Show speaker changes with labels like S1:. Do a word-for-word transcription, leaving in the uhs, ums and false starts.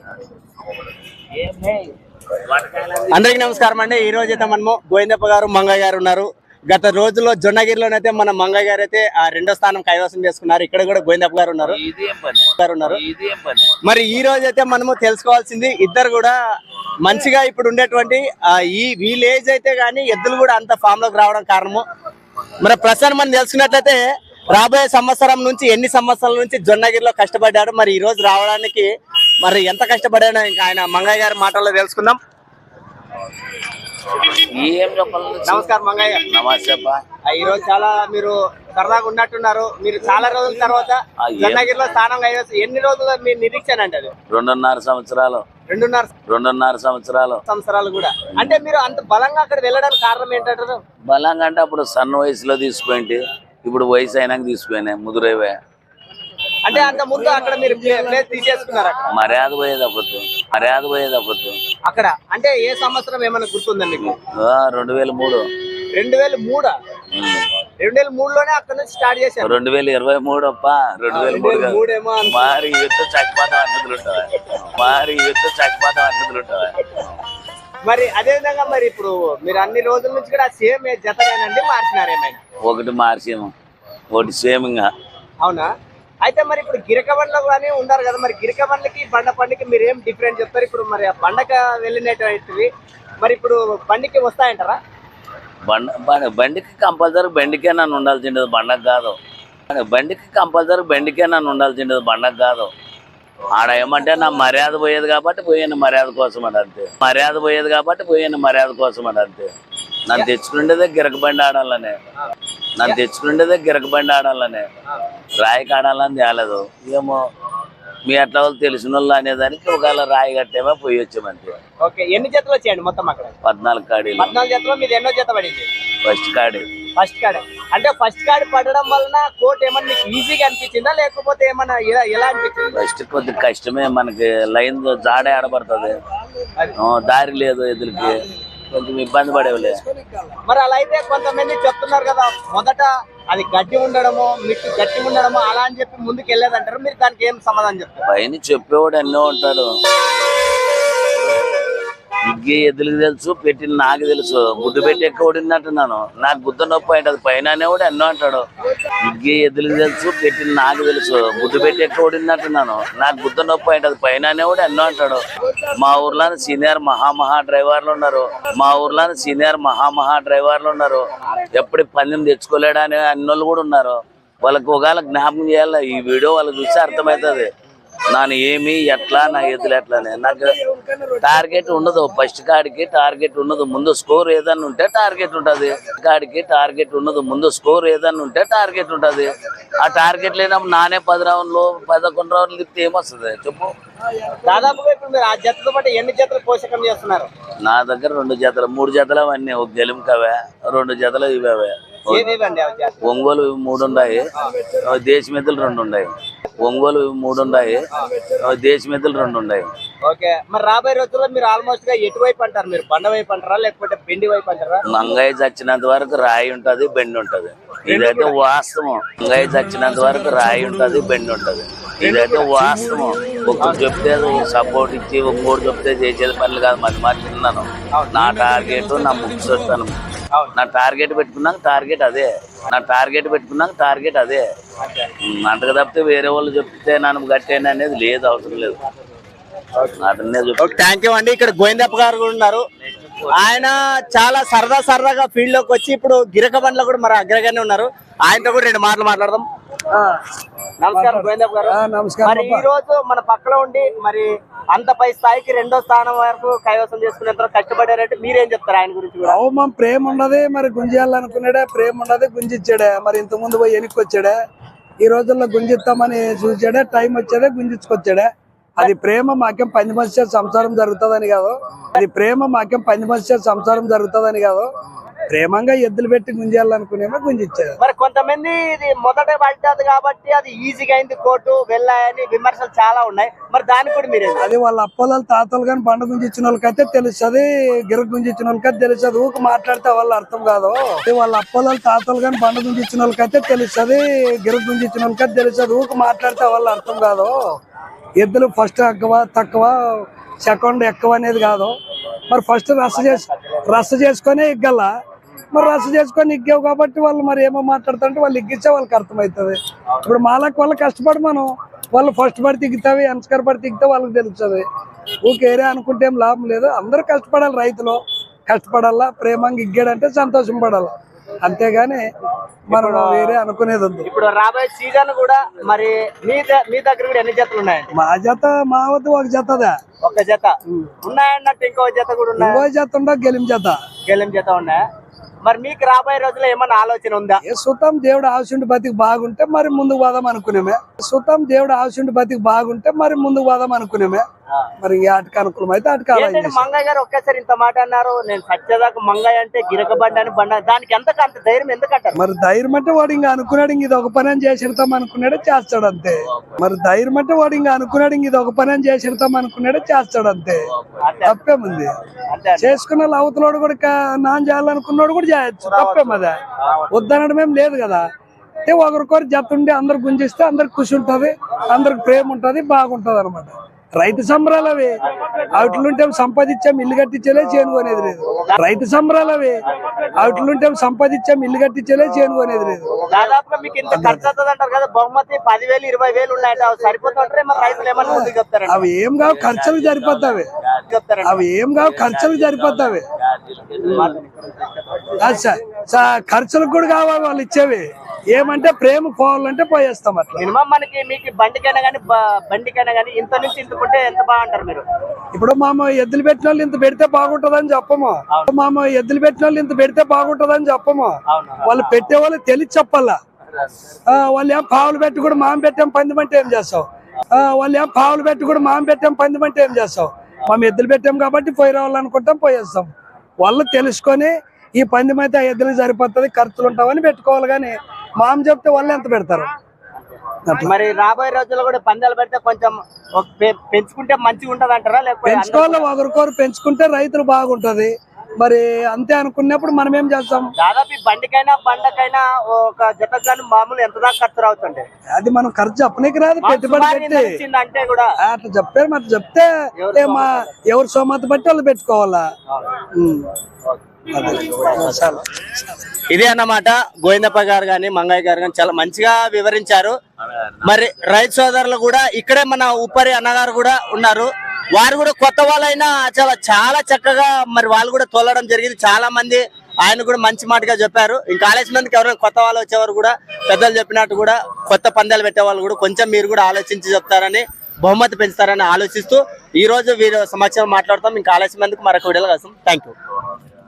S1: అందరికి నమస్కారం అండి. ఈ రోజు అయితే మనము గోవిందప్ప గారు మంగయ్య గారు ఉన్నారు. గత రోజుల్లో జొన్నగిరిలోనైతే మన మంగయ్య గారు అయితే ఆ రెండో స్థానం కైవసం చేసుకున్నారు. ఇక్కడ కూడా గోవిందప్ప గారు ఉన్నారు ఉన్నారు మరి ఈ రోజు అయితే మనము తెలుసుకోవాల్సింది, ఇద్దరు కూడా మంచిగా ఇప్పుడు ఉండేటువంటి ఈ విలేజ్ అయితే గానీ ఎద్దులు కూడా అంత ఫామ్ లోకి రావడం కారణము. మరి ప్రస్తుతం మనం తెలుసుకున్నట్లయితే రాబోయే సంవత్సరం నుంచి ఎన్ని సంవత్సరాల నుంచి జొన్నగిరిలో కష్టపడ్డాడు, మరి ఈ రోజు రావడానికి మరి ఎంత కష్టపడాడో ఇంకా ఆయన మంగయ్య గారి మాటల్లో తెలుసుకుందాం. నమస్కారం మంగయ్య.
S2: నమస్తే.
S1: ఈ రోజు చాలా మీరు సరదాగా ఉన్నట్టున్నారు. మీరు చాలా రోజుల తర్వాత జొన్నగిరిలో స్థానం కైవసం. ఎన్ని రోజులు మీరు నిరీక్షణ అంటే అది?
S2: రెండున్నర సంవత్సరాలు
S1: రెండున్నర
S2: రెండున్నర సంవత్సరాలు
S1: సంవత్సరాలు కూడా. అంటే మీరు అంత బలంగా అక్కడ వెళ్ళడానికి కారణం ఏంటంటారు?
S2: బలంగా అంటే అప్పుడు సన్న వయసులో తీసుకుంటే, ఇప్పుడు వయసు అయినాక తీసుకుపోయినా ముదురేవే.
S1: అంటే అంత ముందు అక్కడ మీరు ప్లేస్ తీసేసుకున్నారు.
S2: మర్యాద పోయేది అప్పుడు మర్యాద పోయేది అప్పుడు
S1: అక్కడ. అంటే ఏ సంవత్సరం ఏమైనా గుర్తుందా మీకు?
S2: రెండు వేల మూడు
S1: రెండు వేల మూడా రెండు వేల మూడులోనే అక్కడ నుంచి స్టార్ట్ చేశారు.
S2: రెండు వేల ఇరవై మూడు అప్ప రెండు వేల మూడు
S1: మూడేమో.
S2: మారి యుద్ధ చచ్చిపోతాం అంటులు ఉంటావా మారి యుద్ధ చచ్చిపోతాం అంటులు ఉంటావా
S1: మరి అదే విధంగా మరి ఇప్పుడు మీరు అన్ని రోజుల నుంచి కూడా సేమ్ జతనేనండి, మార్చినారు ఏమైనా?
S2: ఒకటి మార్చేమో, ఒకటి సేమ్. ఇంకా
S1: అవునా? అయితే మరి ఇప్పుడు గిరక బండ్లు కానీ ఉన్నారు కదా, మరి గిరక బండ్లకి బండ పండుకి మీరు ఏం డిఫరెంట్ చెప్తారు? ఇప్పుడు మరి ఆ బండక వెళ్ళినటువంటివి మరి ఇప్పుడు బండికి వస్తాయంటారా?
S2: బండ బండికి కంపల్సరీ బండికే నన్ను ఉండాల్సిండేది, బండకు కాదు. బండికి కంపల్సరీ బండికే నన్ను ఉండాల్సిండేది, బండకు కాదు. ఆడ ఏమంటే నా మర్యాద పోయేది కాబట్టి పోయాను మర్యాద కోసం అని అంతే. మర్యాద పోయేది కాబట్టి పోయాను మర్యాద కోసం అని అంతే. నన్ను తెచ్చుకునేదే గిరక బండి ఆడాలనే నన్ను తెచ్చుకునేదే గిరక బండి ఆడాలనే రాయికి ఆడాలని తేలేదు. ఏమో మీ అట్లా వాళ్ళు తెలిసిన వాళ్ళు అనేదానికి ఒకవేళ రాయి కట్టేమో పోయి వచ్చామంతే.
S1: ఓకే. ఎన్ని జతలు వచ్చాయండి మొత్తం అక్కడ?
S2: పద్నాలుగు కాడీలు.
S1: పద్నాలుగు జతలో మీరు ఎన్నో జత పడింది?
S2: ఫస్ట్ కాడి.
S1: ఫస్ట్ కాడి. అంటే ఫస్ట్ కాడి పడడం వలన కోట్ ఏమన్నా మీకు ఈజీగా అనిపించిందా లేకపోతే ఏమన్నా ఎలా అనిపించింది?
S2: ఫస్ట్ కొద్దిగా కష్టమే, మనకి లైన్ జాడే ఆడబడుతుంది, దారి లేదు, ఎదురుకి కొంచెం ఇబ్బంది పడేవలే.
S1: మరి అలా అయితే కొంతమంది చెప్తున్నారు కదా, మొదట అది గడ్డి ఉండడము మీకు గట్టి ఉండడము అలా అని చెప్పి ముందుకు వెళ్ళేదంటారు. మీరు దానికి ఏం సమాధానం చెప్తారు?
S2: పైన చెప్పేవాడు ఎన్నో ఉంటాడు. ఇగ్గి ఎద్దులకి తెలుసు, పెట్టిన నాకు తెలుసు. గుడ్డు పెట్టి ఎక్కువ ఓడినట్టున్నాను, నాకు గుద్ద నొప్పి అంటది. పైన అనేవాడు ఎన్నో అంటాడు. ఇగ్గి ఎద్దులకి తెలుసు, పెట్టిన నాకు తెలుసు. గుడ్డు పెట్టి ఎక్కువ ఓడినట్టున్నాను, నాకు గుద్ద నొప్పి అంటది. పైన అనేవాడు ఎన్నో అంటాడు. మా ఊర్లో సీనియర్ మహామహా డ్రైవర్లు ఉన్నారు. మా ఊర్లో సీనియర్ మహామహా డ్రైవర్లు ఉన్నారు. ఎప్పుడు పందెం తెచ్చుకోలేడా అనే అన్నోళ్ళు కూడా ఉన్నారు. వాళ్ళకి ఒకవేళ జ్ఞాపకం చేయాలి. ఈ వీడియో వాళ్ళకి చూస్తే అర్థమవుతుంది నాను ఏమి ఎట్లా, నా ఎద్దులు ఎట్లానే. నాకు టార్గెట్ ఉండదు. ఫస్ట్ కాడికి టార్గెట్ ఉండదు, ముందు స్కోర్ ఏదన్నా ఉంటే టార్గెట్ ఉంటుంది. కాడికి టార్గెట్ ఉండదు, ముందు స్కోర్ ఏదన్నా ఉంటే టార్గెట్ ఉంటుంది. ఆ టార్గెట్ లేనప్పుడు నానే పది రౌండ్లు పదకొండు రౌండ్లు తిప్పితే ఏమొస్తుంది చెప్పు?
S1: దాదాపుగా ఇప్పుడు మీరు ఆ జతతో పాటు ఎన్ని జతలు పోషకం చేస్తున్నారు?
S2: నా దగ్గర రెండు జతలు మూడు జతలు అవన్నీ. ఒక గెలుముకవే, రెండు జతలు ఇవే. ఒంగోలు మూడు ఉన్నాయి, దేశమెద్దులు రెండు ఉన్నాయి. ఒంగోలు మూడు ఉన్నాయి, దేశమెద్దులు రెండు ఉన్నాయి.
S1: ఓకే. మరి రాబోయే రోజుల్లో మీరు ఆల్మోస్ట్ గా ఎటువైపు అంటారు? మీరు బండ వైపు అంటారా లేకపోతే బెండి వైపు అంటారా?
S2: మంగయ్య చచ్చినంత వరకు రాయి ఉంటది, బెండి ఉంటది. ఇదైతే వాస్తవం. మంగయ్య చచ్చినంత వరకు రాయి ఉంటది, బెండి ఉంటది. ఇదైతే వాస్తవం. ఒక్కరు చెప్తే సపోర్ట్ ఇచ్చి ఒక్కోటి చెప్తే చేసేది పనులు కాదు. మధ్య మాట తిన్నాను. నా టార్గెట్ నా ముక్స్ వస్తాను. నా టార్గెట్ పెట్టుకున్నాక టార్గెట్ అదే. నా టార్గెట్ పెట్టుకున్నాక టార్గెట్ అదే. అంతకు తప్పితే వేరే వాళ్ళు చెప్తే నన్ను కట్టేయండి అనేది లేదు, అవసరం లేదు.
S1: థ్యాంక్ యూ అండి. ఇక్కడ గోవిందప్ప గారు కూడా ఉన్నారు. ఆయన చాలా సరదా సరదాగా ఫీల్డ్ లోకి వచ్చి ఇప్పుడు గిరక బండ్లో కూడా మరి అగ్రగానే ఉన్నారు. ఆయనతో కూడా రెండు మాటలు మాట్లాడదాం. నమస్కారం గోవిందప్ప గారు. మరి ఈ రోజు మన పక్కన ఉండి మరి అంత పై స్థాయికి రెండో స్థానం వరకు కైవసం చేసుకునేంత కష్టపడారంటే మీరేం చెప్తారు ఆయన గురించి?
S3: అవమానం ప్రేమ ఉండదు, మరి గుంజేయాలనుకున్నాడే, ప్రేమ ఉండదు, గుంజిచ్చాడే. మరి ఇంత ముందు పోయి వెనక్కి వచ్చాడే, ఈ రోజుల్లో గుంజిస్తామని చూసాడే, టైం వచ్చాడే గుంజించుకొచ్చాడే. అది ప్రేమ మాకేం పంది మనిషి సంసారం జరుగుతుందని కాదు. అది ప్రేమ మాకేం పంది మనిషి సంసారం జరుగుతుందని కాదు. ప్రేమంగా ఎద్దులు పెట్టి గుంజేయాలనుకునేమో గుంజిచ్చారు.
S1: మరి కొంతమంది ఇది మొదట పడ్డది కాబట్టి అది ఈజీగా అయింది కోర్టు వెళ్ళాయని విమర్శలు చాలా ఉన్నాయి. మరి దానికి కూడా మీరు
S3: అది వాళ్ళ అప్పల తాతలు కానీ బండ గుంజిచ్చిన వాళ్ళకైతే తెలుస్తుంది, గిర గుంజిచ్చిన వాళ్ళకైతే తెలుస్తుంది. ఊక మాట్లాడితే వాళ్ళ అర్థం కాదు. వాళ్ళ అప్పల తాతలు కానీ బండ గుంజిచ్చిన వాళ్ళకైతే తెలుస్తుంది, గిర గుంజిచ్చిన వాళ్ళకైతే తెలుస్తుంది. ఊక మాట్లాడితే వాళ్ళ అర్థం కాదు. ఎద్దులు ఫస్ట్ ఎక్కువ తక్కువ సెకండ్ ఎక్కువ అనేది కాదు. మరి ఫస్ట్ రస చేసి రస చేసుకొని ఇగ్గల మరి రస చేసుకొని ఇగ్గావు కాబట్టి వాళ్ళు మరి ఏమో మాట్లాడుతుంటే వాళ్ళు ఇగ్గిచ్చే వాళ్ళకి అర్థమవుతుంది. ఇప్పుడు మాలకు వాళ్ళు కష్టపడి మనం వాళ్ళు ఫస్ట్ పడి తిగ్గుతావి అంస్కర్ పడి తిగ్గితే వాళ్ళకి తెలుస్తుంది. ఊకేరే అనుకుంటే ఏం లాభం లేదు. అందరూ కష్టపడాలి, రైతులు కష్టపడాలా, ప్రేమంగా ఇగ్గాడంటే సంతోషం పడాలి, అంతేగాని మనం వేరే అనుకునేది ఉంది.
S1: ఇప్పుడు రాబోయే సీజన్ కూడా మరి మీ ద- మీ దగ్గర కూడా ఎన్ని జతలు ఉన్నాయండి?
S3: మా జత మా వద్ద ఒక జతదా,
S1: ఒక జత ఉన్నాయన్నట్టు ఇంకో జత కూడా ఉన్నాయి,
S3: ఇంకో జత ఉండ గెలిం జత.
S1: గెలం జత ఉన్నాయా? మరి మీకు రాబోయే రోజుల్లో ఏమన్నా ఆలోచన ఉందా?
S3: ఏ సుతం దేవుడు ఆశుండి బతికి బాగుంటే మరి ముందుకు పోదాం అనుకునేమే. సుతం దేవుడు ఆశుండి బతికి బాగుంటే మరి ముందుకు పోదాం అనుకునేమే. మరి ఆటకి అనుకూలం అయితే ఆటకి అలా
S1: ఏంటంటే మంగయ్య గారు ఒక్కసారి ఇంత మాట అన్నారు, నేను సత్యదాకా మంగయ్య అంటే గిరక బండి అని బండ, దానికి ఎంతకు అంత ధైర్యం ఎందుకంటారు?
S3: మరి ధైర్యం అంటే వాడు ఇంకా అనుకున్నాడు ఇంక ఇది ఒక పని అని చేసిడతాం అనుకున్నాడే చేస్తాడు అంతే. మరి ధైర్యం అంటే వాడు ఇంకా అనుకున్నాడు ఇంక ఇది ఒక పని అని చేసిడతాం అనుకున్నాడే చేస్తాడు అంతే. తప్పేముంది?
S1: అంతే
S3: చేసుకున్న వాళ్ళు అవతలోడు కూడా కా- నాన్ చేయాలనుకున్నాడు కూడా చేయొచ్చు, తప్పేమదా? వద్దనడం ఏం లేదు కదా. అంటే ఒకరికొకరు జత ఉండి అందరు గుంజిస్తే అందరికి ఖుషి ఉంటది, అందరికి ప్రేమ ఉంటది, బాగుంటది అనమాట. రైతు సంబరాలు అవి అవుట్లుంటే సంపాదించాం ఇల్లు కట్టించలే చేనుకోనేది లేదు. రైతు సంబరాలు అవి అవుట్లుంటే సంపాదించాం ఇల్లు కట్టించలే చేనుకోనేది లేదు.
S1: దాదాపుగా మీకు ఇంత ఖర్చు అవుతుంది అంటారు కదా, బహుమతి పదివేలు ఇరవై వేలు ఉన్నాయంటే అవి సరిపోతుంటారే, మరి రైతులు ఏమన్నా ముందుకు చెప్తారండి?
S3: అవి ఏం కావు ఖర్చులకు సరిపోతావి,
S1: చెప్తారండి
S3: అవి ఏం కావు ఖర్చులకు సరిపోతావి. అచ్చా సా- ఖర్చులకు కూడా కావాలి వాళ్ళు ఇచ్చేవి. ఏమంటే ప్రేమ పోవాలంటే పోయేస్తాం అట్లా.
S1: మినిమం మనకి మీకు బండికైనా కానీ బండికైనా కానీ ఇంత నుంచి ఇంతకుంటే ఎంత బాగుంటారు మీరు?
S3: ఇప్పుడు మామ ఎద్దులు పెట్టిన వాళ్ళు ఇంత పెడితే బాగుంటదని చెప్పము. మామ ఎద్దులు పెట్టిన వాళ్ళు ఇంత పెడితే బాగుంటదని చెప్పము.
S1: అవును.
S3: వాళ్ళు పెట్టే వాళ్ళు తెలిసి చెప్పాలా. ఆ, వాళ్ళు ఏం పావులు పెట్టి కూడా మామ పెట్టాం పందెం అంటే ఏం చేస్తావు? ఆ, వాళ్ళు ఏం పావులు పెట్టి కూడా మామ పెట్టాం పందెం అంటే ఏం చేస్తావు? మేము ఎద్దులు పెట్టాం కాబట్టి పోయి రావాలనుకుంటాం, పోయేస్తాం. వాళ్ళు తెలుసుకొని ఈ పందెం అయితే ఆ ఎద్దులకు సరిపోతుంది, ఖర్చులు ఉంటామని పెట్టుకోవాలి. కానీ మామ చెప్తే వాళ్ళు ఎంత పెడతారు?
S1: మరి రాబోయే రోజుల్లో కూడా పందాలు పెడితే కొంచెం ఒక పె- పెంచుకుంటే మంచిగా ఉంటది అంటారా? లేకపోతే
S3: పెంచుకోవాలి, ఒకరికొకరు పెంచుకుంటే రైతులు బాగుంటది. మరి అంతే అనుకున్నప్పుడు మనం ఏం చేస్తాం?
S1: దాదాపు ఈ బండికైనా బండకైనా ఒక జత కానీ మామూలు ఎంత దాకా ఖర్చు రావుతుంది?
S3: అది మనం ఖర్చు చెప్పనీకి రాదు, పెట్టుబడి పెట్టి
S1: అంటే కూడా
S3: ఆ, అట్లా చెప్పారు. మరి చెప్తే ఏ మా ఎవరు సోమత బట్టి వాళ్ళు పెట్టుకోవాలా. ఉమ్. అదే. చాలా.
S1: ఇదే అన్నమాట. గోవిందప్ప గారు గాని మంగయ్య గారు గాని చాలా మంచిగా వివరించారు. మరి రైతు సోదరులు కూడా ఇక్కడే మన ఉప్పరి అన్నగారు కూడా ఉన్నారు. వారు కూడా కొత్త వాళ్ళైనా చాలా చాలా చక్కగా మరి వాళ్ళు కూడా తోలడం జరిగింది. చాలా మంది ఆయన కూడా మంచి మాటగా చెప్పారు. ఇంకా ఆలస్యం మందికి ఎవరైనా కొత్త వాళ్ళు వచ్చేవారు కూడా పెద్దలు చెప్పినట్టు కూడా కొత్త పందాలు పెట్టే వాళ్ళు కూడా కొంచెం మీరు కూడా ఆలోచించి చెప్తారని, బహుమతి పెంచుతారని ఆలోచిస్తూ ఈ రోజు వీరు సమాచారం మాట్లాడతాం. ఇంకా ఆలస్యం మందికి మరొక వీడియోలో కలుస్తాం. Thank you.